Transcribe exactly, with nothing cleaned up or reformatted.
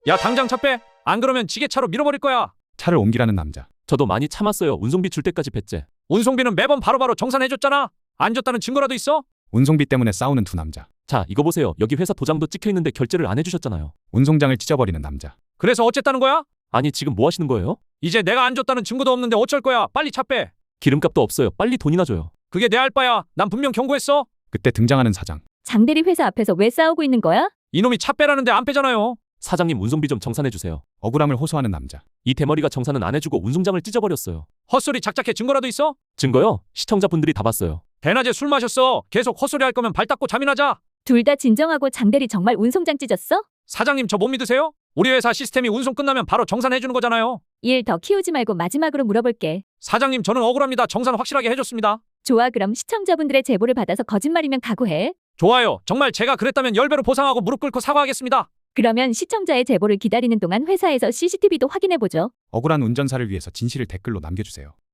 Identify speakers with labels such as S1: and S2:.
S1: 야 당장 차 빼. 안 그러면 지게차로 밀어버릴 거야.
S2: 차를 옮기라는 남자.
S3: 저도 많이 참았어요. 운송비 줄 때까지 뱉제.
S1: 운송비는 매번 바로바로 정산해줬잖아. 안 줬다는 증거라도 있어?
S2: 운송비 때문에 싸우는 두 남자.
S3: 자, 이거 보세요. 여기 회사 도장도 찍혀 있는데 결제를 안 해주셨잖아요.
S2: 운송장을 찢어버리는 남자.
S1: 그래서 어쨌다는 거야?
S3: 아니, 지금 뭐 하시는 거예요?
S1: 이제 내가 안 줬다는 증거도 없는데 어쩔 거야. 빨리 차 빼.
S3: 기름값도 없어요. 빨리 돈이나 줘요.
S1: 그게 내 알바야. 난 분명 경고했어.
S2: 그때 등장하는 사장.
S4: 장대리 회사 앞에서 왜 싸우고 있는 거야?
S1: 이놈이 차 빼라는데 안 빼잖아요.
S3: 사장님, 운송비 좀 정산해주세요.
S2: 억울함을 호소하는 남자.
S3: 이 대머리가 정산은 안 해주고 운송장을 찢어버렸어요.
S1: 헛소리 작작해. 증거라도 있어?
S3: 증거요? 시청자분들이 다 봤어요.
S1: 대낮에 술 마셨어. 계속 헛소리 할 거면 발 닦고 잠이나 자.
S4: 둘 다 진정하고 장대리 정말 운송장 찢었어?
S1: 사장님 저 못 믿으세요? 우리 회사 시스템이 운송 끝나면 바로 정산해주는 거잖아요.
S4: 일 더 키우지 말고 마지막으로 물어볼게.
S1: 사장님 저는 억울합니다. 정산 확실하게 해줬습니다.
S4: 좋아, 그럼 시청자분들의 제보를 받아서 거짓말이면 각오해.
S1: 좋아요. 정말 제가 그랬다면 열 배로 보상하고 무릎 꿇고 사과하겠습니다.
S4: 그러면 시청자의 제보를 기다리는 동안 회사에서 씨씨티비도 확인해보죠.
S2: 억울한 운전사를 위해서 진실을 댓글로 남겨주세요.